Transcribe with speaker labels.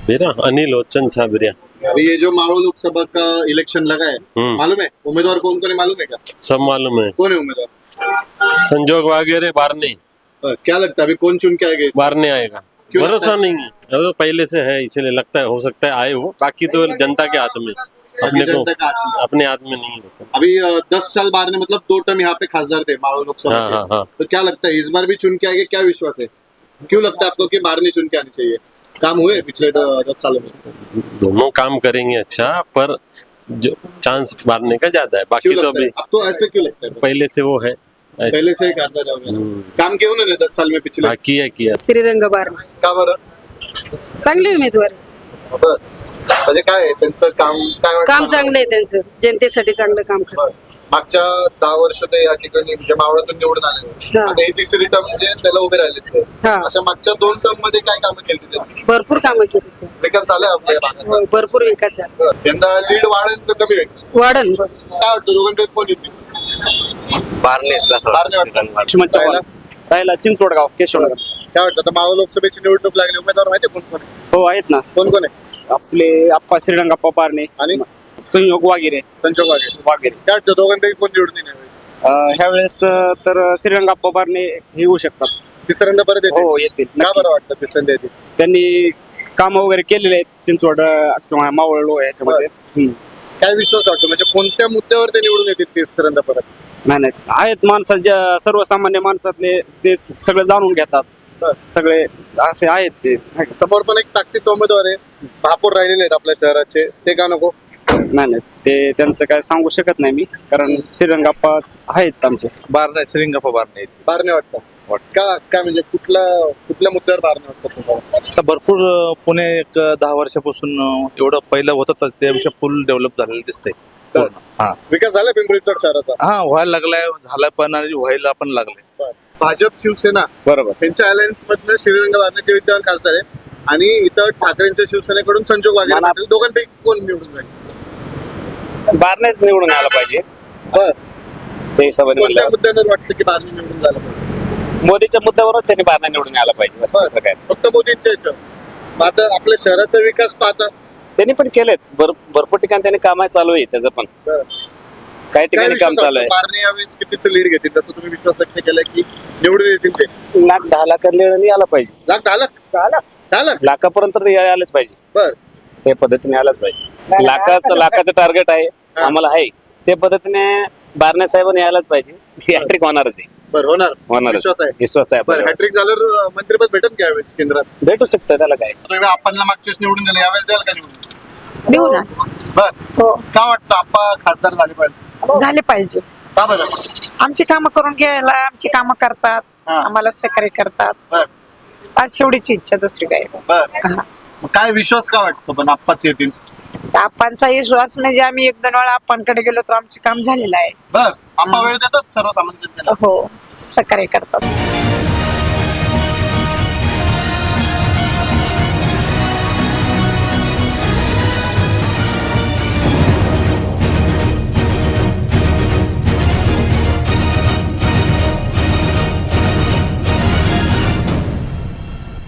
Speaker 1: मेरा अनिल लोचन छाबरिया।
Speaker 2: अभी ये जो मारो लोकसभा का इलेक्शन लगा है, मालूम है उम्मीदवार कौन कौन है, मालूम है क्या?
Speaker 1: सब मालूम है।
Speaker 2: कौन है उम्मीदवार?
Speaker 1: संजोग वगैरह बारने
Speaker 2: क्या लगता है अभी कौन चुन के आएगा?
Speaker 1: बारने आएगा।
Speaker 2: क्यों लगता
Speaker 1: भरोसा नहीं है, अब तो पहले से है इसलिए लगता है, हो सकता है आए हो, बाकी तो जनता के हाथ में, अपने को
Speaker 2: जनता का हाथ में।
Speaker 1: अपने हाथ में नहीं होता।
Speaker 2: अभी 10 साल बाद में मतलब 2 टर्म यहाँ पे खासदार थे मारो लोकसभा
Speaker 1: हाँ,
Speaker 2: के।
Speaker 1: हाँ, हाँ।
Speaker 2: तो क्या लगता है इस बार भी चुन के आएंगे? क्या विश्वास है? क्यों लगता है आपको कि बार नहीं चुन के आनी चाहिए? काम हुए पिछले 10 सालों में?
Speaker 1: दोनों काम करेंगे अच्छा, पर जो चांस मारने का ज्यादा है, बाकी
Speaker 2: क्यों
Speaker 1: तो
Speaker 2: लगता है?
Speaker 1: अभी
Speaker 2: आपको ऐसे क्यों लगता है?
Speaker 1: पहले से वो है ऐसे।
Speaker 2: पहले से ही करता जाओगे ना? काम क्यों उन्होंने 10 साल में पिछले?
Speaker 1: हाँ, किया
Speaker 3: श्रीरंग बारणा
Speaker 2: का बरं?
Speaker 3: चांगले उमेदवार आहे.
Speaker 2: बरं. म्हणजे काय आहे त्यांचं काम? काय वाटतं?
Speaker 3: काम चांगलं आहे त्यांचं, जनतेसाठी चांगलं काम
Speaker 2: बरं.
Speaker 3: करतात.
Speaker 2: मागच्या 10 वर्ष ते या ठिकाणी म्हणजे मावळातून निवडून आले.
Speaker 3: हा.
Speaker 2: आता ही तिसरी टर्म म्हणजे त्याला उभे राहिले.
Speaker 3: हा.
Speaker 2: अशा मागच्या 2 टर्म मध्ये काय कामं केली त्यांनी?
Speaker 3: भरपूर कामं केली.
Speaker 2: विकास झाला आपल्या भागाचा?
Speaker 3: हो, भरपूर विकास झाला.
Speaker 2: बरं. यंदा लीड वाढेल तर कमी होईल?
Speaker 3: वाढन
Speaker 2: काय वाटतं दोघांपैकी कोण येतील? बारणे वाटतं.
Speaker 4: राहिला चिंचवडगाव केशवनगर.
Speaker 2: काय वाटतं आता मावळ लोकसभेची निवडणूक लागली, उमेदवार माहिती कोण कोण आहे?
Speaker 4: हो आहेत ना,
Speaker 2: कोण कोण आहे?
Speaker 4: आपले आप्पा श्रीरंगाप्पा पारणे
Speaker 2: आणि
Speaker 4: संयोग वागिरे
Speaker 2: संजोग वाघेरे. काय वाटतं दोघांपैकी कोण निवडून येईल यावेळी?
Speaker 4: ह्या वेळेस तर श्रीरंगाप्पा पारणे हे येऊ शकतात.
Speaker 2: तिसऱ्यांदा परत येतील?
Speaker 4: हो येतील
Speaker 2: का
Speaker 4: नक्की.
Speaker 2: बरं वाटतं तिसऱ्यांदा येतील?
Speaker 4: त्यांनी काम वगैरे केलेले आहेत चिंचवड किंवा मावळ याच्यामध्ये.
Speaker 2: काय विश्वास वाटतो म्हणजे कोणत्या मुद्द्यावर ते निवडून येतील तिसऱ्यांदा परत?
Speaker 4: नाही आहेत माणसात सर्वसामान्य माणसातले ते सगळे जाणून घेतात. सगळे असे आहेत ते.
Speaker 2: समोर पण एक ताकदीचा उमेदवार आहे, महापौर राहिलेले आहेत आपल्या शहराचे, ते का नको?
Speaker 4: नाही ते त्यांचं काय सांगू शकत नाही मी, कारण श्रीरंगाप्पा आहेत आमचे.
Speaker 5: बारणे श्रीरंगाप्पा बारणे
Speaker 2: बारणे वाटतं? का काय म्हणजे कुठल्या मुद्द्यावर बारणे वाटतं तुम्हाला?
Speaker 5: आता भरपूर पुणे एक 10 वर्षापासून एवढं पहिलं होतं त्यापेक्षा फुल डेव्हलप झालेलं दिसतंय. हा
Speaker 2: विकास झाला पिंपरी चिंचवड शहराचा?
Speaker 5: हा व्हायला लागलाय, झाला पण आणि व्हायला पण लागलाय.
Speaker 2: भाजप शिवसेना
Speaker 4: बरोबर.
Speaker 2: त्यांच्या अलायन्स मधनं श्रीरंग बारणेचे विद्यमान खासदार आहे आणि इथं ठाकरेंच्या शिवसेनेकडून संजोग वाघेरे पाटील. दोघांपैकी कोण निवडून जाईल?
Speaker 4: बारनेच निवडून आला पाहिजे
Speaker 2: बरं.
Speaker 4: ते हिशोबाने
Speaker 2: कोणत्या
Speaker 4: म्हणल्यावर.
Speaker 2: मुद्द्यावर वाटतं की बारणे निवडून झालं पाहिजे?
Speaker 4: मोदीच्या मुद्द्यावरच त्यांनी बारणे निवडून आला पाहिजे बस दुसरं काय.
Speaker 2: फक्त मोदींच्या याच्यावर? मग आता आपल्या शहराचा विकास पाहता
Speaker 4: त्यांनी पण केलेत भरपूर ठिकाणी त्यांनी काम चालू आहे त्याचं पण.
Speaker 2: बरं.
Speaker 4: काही
Speaker 2: काय
Speaker 4: ठिकाणी काम
Speaker 2: विश्वास
Speaker 4: चालू आहे.
Speaker 2: वाटतो बारणे यावेळेस कितीचं लीड घेतील तसं तुम्ही विश्वास व्यक्त केला की निवडून येतील ते?
Speaker 4: 1,10 लाख निवडून आला पाहिजे.
Speaker 2: 10 लाख?
Speaker 4: लाखापर्यंत तर आलंच पाहिजे.
Speaker 2: बर.
Speaker 4: ते पद्धतीने आलंच पाहिजे. लाखाचं टार्गेट आहे आम्हाला, आहे ते पद्धतीने बारणे साहेबांनी यायलाच पाहिजे. हॅट्रिक होणारच आहे.
Speaker 2: बरं, होणार विश्वास आहे.
Speaker 4: विश्वास आहे
Speaker 2: बरं,
Speaker 4: आपल्याला.
Speaker 2: हॅट्रिक झाल्यावर मंत्रिपद भेटेल का यावेळेस केंद्रात?
Speaker 4: भेटू शकतं त्याला काय.
Speaker 2: तुम्ही आपणला मागच्या वेळेस निवडून दिलं, यावेळेस द्याल का निवडून?
Speaker 3: देऊ ना.
Speaker 2: बर.
Speaker 3: हो,
Speaker 2: का वाटतं आप्पा खासदार झाले पाहिजे?
Speaker 3: झाले पाहिजे.
Speaker 2: का बरं?
Speaker 3: आमची कामं करून घ्यायला, आमची कामं करतात,
Speaker 2: हा.
Speaker 3: आम्हाला सहकार्य करतात.
Speaker 2: बर
Speaker 3: आज एवढीच इच्छा, दुसरी काय.
Speaker 2: बर.
Speaker 3: हा.
Speaker 2: मग काय विश्वास का वाटतो पण आप्पाच येतील?
Speaker 3: तर आप्पांचा विश्वास म्हणजे आम्ही 1-2 वेळा आप्पांकडे गेलो तर आमचे काम झालेलं आहे.
Speaker 2: बर. आप्पा वेळ देतात सर्वसामान्य जनतेला?
Speaker 3: हो, सहकार्य करतात.